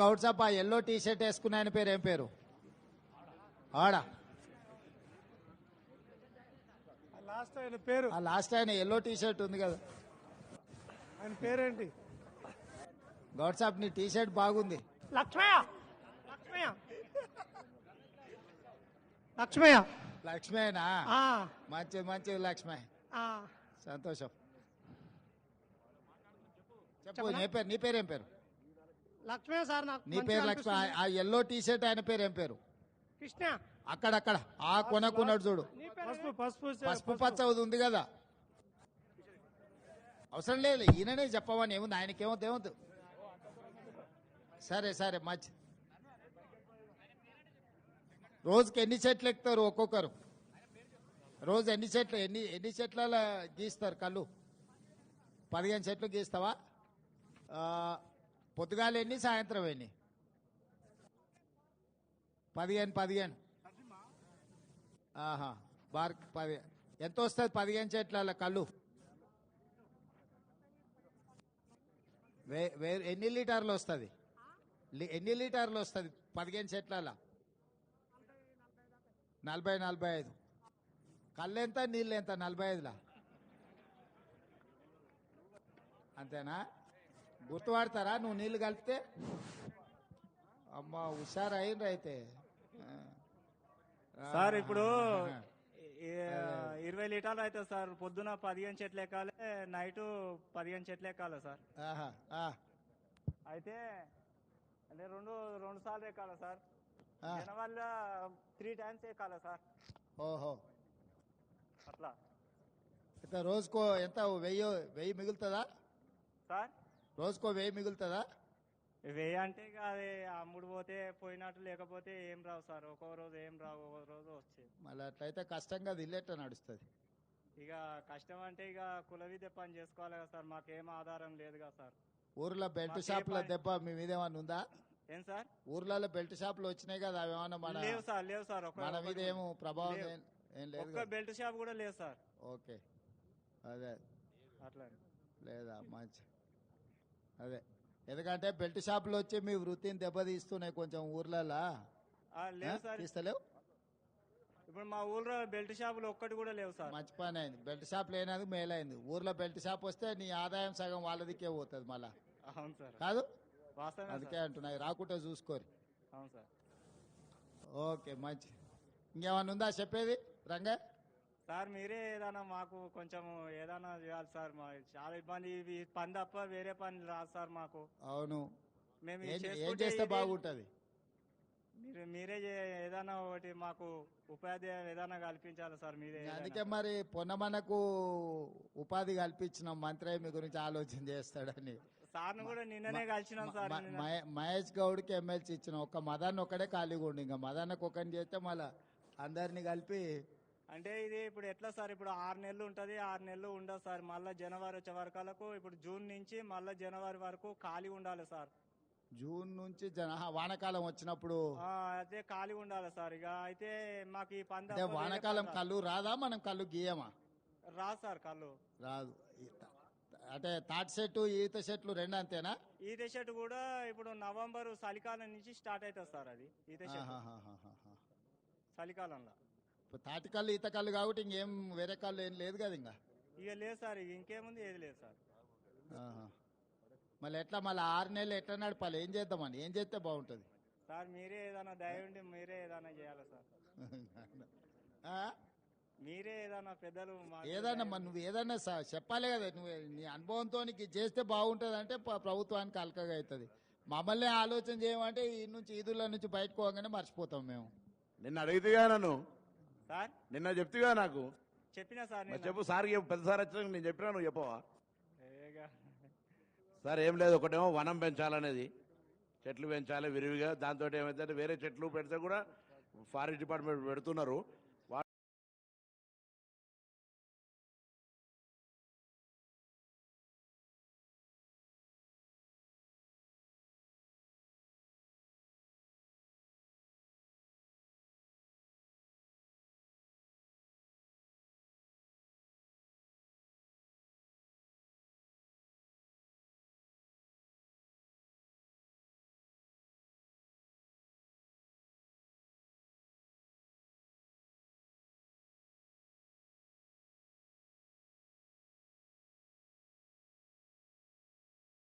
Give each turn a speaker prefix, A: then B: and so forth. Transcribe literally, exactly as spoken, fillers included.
A: గౌడ్ సాబ్ ఆ yellow T shirt వేసుకున్న ఆయన పేరు ఏం పేరు? ఆడా
B: లాస్ట్ ఆయన పేరు
A: ఆ లాస్ట్ ఆయన ఎల్లో టీ షర్ట్ ఉంది కదా,
B: ఆయన పేరేంటి?
A: గౌడ్ సాబ్ నీ టీ షర్ట్ బాగుంది.
B: లక్ష్మయ్య లక్ష్మయ్య లక్ష్మయ్య
A: లక్ష్మేనా?
B: ఆ,
A: మంచిది మంచిది లక్ష్మే,
B: ఆ.
A: సంతోషం. చెప్పు నీ పేరు, నీ పేరు ఏం పేరు?
B: లక్ష్మయ్య సార్ నాకు
A: నీ
B: మంచిగా
A: పేరు లక్ష్మి.
B: అనిపిస్తుంది.
A: ఆ ఎల్లో టీ షర్ట్ ఆయన పేరు ఏం పేరు?
B: కృష్ణ.
A: అక్కడక్కడ ఆ కొనకున్నాడు చూడు,
B: నీ పేరు పసుపు పసుపు
A: పసుపు పచ్చ ఉంది కదా. అవసరం లేదు, ఈయననే చెప్పమని ఏముంది, ఆయనకేమో ఏమవుతుంది. సరే సరే మంచి. రోజుకి ఎన్ని చెట్లు ఎక్కుతారు ఒక్కొక్కరు? రోజు ఎన్ని చెట్లు ఎన్ని ఎన్ని చెట్ల గీస్తారు కళ్ళు? పదిహేను చెట్లు గీస్తావా? ఆ, పొద్దుగాలు ఎన్ని, సాయంత్రం ఎన్ని? పదిహేను పదిహేను ఆహా బార్ పది ఎంత వస్తుంది పదిహేను చెట్ల కళ్ళు? వే వే ఎన్ని లీటర్లు వస్తుంది? ఎన్ని లీటర్లు వస్తుంది పదిహేను చెట్ల? నలభై నలభై ఐదు. కళ్ళు ఎంత, నీళ్ళు ఎంత? నలభై ఐదులా అంతేనా? గుర్తుపడతారా నువ్వు నీళ్లు కలిపితే? అమ్మ హుషారు అయిండ్రు అయితే.
C: సార్ ఇప్పుడు ఇరవై లీటర్లు అవుతుంది సార్. పొద్దున పదిహేను చెట్లు ఎక్కాలి, నైట్ పదిహేను చెట్లు ఎక్కాలి సార్.
A: ఆహా, ఆ,
C: అయితే అంటే రెండు రెండు సార్లు ఎక్కాలి సార్.
A: ఆ.
C: వల్ల త్రీ టైమ్స్ ఎక్కాలి సార్.
A: ఓహో,
C: అట్లా
A: అయితే రోజుకో ఎంత, వెయ్యి వెయ్యి మిగులుతుందా
C: సార్?
A: రోజుకో వెయ్యి మిగులుతుందా?
C: వెయ్యి అంటే ఇక అది అమ్ముడు పోతే పోయినట్టు, లేకపోతే ఏం రావు సార్. ఒక్కో రోజు ఏం రావు, ఒక్కో రోజు వచ్చేది.
A: మళ్ళీ అట్లయితే కష్టంగా అది ఇల్లేట నడుస్తుంది.
C: ఇక కష్టం అంటే ఇక కుల విద్య పని చేసుకోవాలి కదా సార్. మాకేం ఆధారం లేదు కదా సార్.
A: ఊర్లో బెల్ట్
C: మాకే
A: షాపుల
C: పని-
A: దెబ్బ మీ మీద ఏమన్నా ఉందా?
C: ఏం సార్?
A: ఊర్లలో బెల్ట్ షాపులు వచ్చినాయి కదా, అవి ఏమన్నా మన
C: లేవు సార్, లేవు సార్. ఒక్క
A: మన మీద
C: ఒక్కటి
A: ఏమో ప్రభావం
C: లేవు.
A: ఏం- ఏం లేదు
C: ఒక్క
A: కదా?
C: బెల్ట్ షాప్ కూడా లేదు సార్.
A: ఓకే, అదే
C: అట్లా
A: లేదా మంచి. అదే ఎందుకంటే బెల్ట్ షాపులు వచ్చి మీ వృత్తిని దెబ్బతీస్తున్నాయి కొంచెం ఊర్లలో.
C: ఆ, లేవు సార్.
A: తీస్తలేవు?
C: ఇప్పుడు మా ఊళ్ళో బెల్ట్ షాపులు ఒక్కటి కూడా లేవు సార్.
A: మంచి పని అయింది, బెల్ట్ షాప్ లేనది మేలైంది. ఊర్లో బెల్ట్ షాప్ వస్తే నీ ఆదాయం సగం వాళ్ళదికే పోతుంది మళ్ళా,
C: అవును సార్,
A: కాదు?
C: వాస్తవమే
A: అందుకే
C: సార్.
A: అంటున్నాయి, రాకుంటే చూసుకోరు.
C: అవును సార్.
A: ఓకే మంచి. ఇంకేమన్నా ఉందా చెప్పేది రంగా?
C: సార్ మీరే ఏదైనా మాకు కొంచెం ఏదైనా చేయాలి సార్. మా చాలా ఇబ్బంది, ఇవి పని తప్ప వేరే పని రాదు సార్ మాకు.
A: అవును,
C: మేము
A: ఏం
C: ఇది
A: ఏం
C: చేసుకుంటే
A: చేస్తే
C: ఇది-
A: బాగుంటది?
C: మీరు మీరే చే- ఏదైనా ఒకటి మాకు ఉపాధి ఏదైనా కల్పించాలి సార్. మీరే ఏదైనా.
A: అందుకే మరి పొన్నమనకు ఉపాధి కల్పించిన మంత్రి మీ గురించి ఆలోచన చేస్తాడని.
C: సార్ను కూడా నిన్ననే కలిసినాం సార్.
A: మ-
C: నిన్న.
A: మహే- మహేష్ గౌడ్కి ఎమ్మెల్సీ ఇచ్చిన ఒక్క మదన్ ఒక్కడే ఖాళీగా ఉండి, ఇంకా మదన్నకు ఒకరిని చేస్తే మళ్ళా అందరినీ కలిపి.
C: అంటే ఇది ఇప్పుడు ఎట్లా సార్? ఇప్పుడు ఆరు నెలలు ఉంటది, ఆరు నెలలు ఉండదు సార్. మళ్ళా జనవరి వచ్చే వరకు, ఇప్పుడు జూన్ నుంచి మళ్ళా జనవరి వరకు ఖాళీ ఉండాలి సార్.
A: జూన్ నుంచి జన ఆహా, వానాకాలం వచ్చినప్పుడు.
C: ఆ, అదే ఖాళీ ఉండాలి సార్. ఇక అయితే మాకు ఈ పంద
A: అంటే వానాకాలం కళ్ళు రాదా, మనం కళ్ళు గీయమా?
C: రాదు సార్ కళ్ళు.
A: రాదు. ఈ త- అంటే తాటి చెట్టు ఈత చెట్లు రెండు అంతేనా?
C: ఈత చెట్టు కూడా ఇప్పుడు నవంబర్ చలికాలం నుంచి స్టార్ట్ అవుతుంది సార్. అది ఈత చెట్టు
A: ఆహాహాహాహా.
C: చలికాలంలో.
A: ఇప్పుడు తాటి కళ్ళు ఈత కళ్ళు కాబట్టి ఇంకేం వేరే కళ్ళు ఏం లేదు కదా ఇంకా.
C: ఇక లేదు సార్, ఇక ఇంకేముంది, ఏది లేదు సార్.
A: ఆహా. మళ్ళీ ఎట్లా మళ్ళీ ఆరు నెలలు ఎట్లా నడపాలి? ఏం చేద్దామని, ఏం చేస్తే బాగుంటుంది?
C: సార్ మీరే ఏదైనా దయ ఉండి మీరే ఏదైనా చేయాలి సార్.
A: ఆ?
C: మీరే ఏదైనా పెద్దలు మాకు
A: ఏదన్నా మరి నువ్వు ఏదన్నా స- చెప్పాలి కదా. నువ్వు నీ అనుభవంతో నీకు ఇది చేస్తే బాగుంటుంది అంటే ప- ప్రభుత్వానికి అలకగా అవుతుంది. మమ్మల్ని ఆలోచన చేయమంటే ఈ నుంచి ఈదుల నుంచి బయటకు పోగానే మర్చిపోతాం మేము.
D: నిన్న అడిగితేగా నన్ను,
C: సార్
D: నిన్న చెప్తిగా నాకు.
C: చెప్పినా సార్
D: మరి
C: నిన్న.
D: చెప్పు సార్, చెప్పు. పెద్ద సార్ వచ్చినాక నేను చెప్పినా, నువ్వు చెప్పవా?
C: ఏగా.
D: సార్ ఏం లేదు, ఒకటేమో వనం పెంచాలనేది, చెట్లు పెంచాలి విరివిగా. దాంతో ఏమైతే వేరే చెట్లు పెడితే కూడా ఫారెస్ట్ డిపార్ట్మెంట్ పెడుతున్నారు.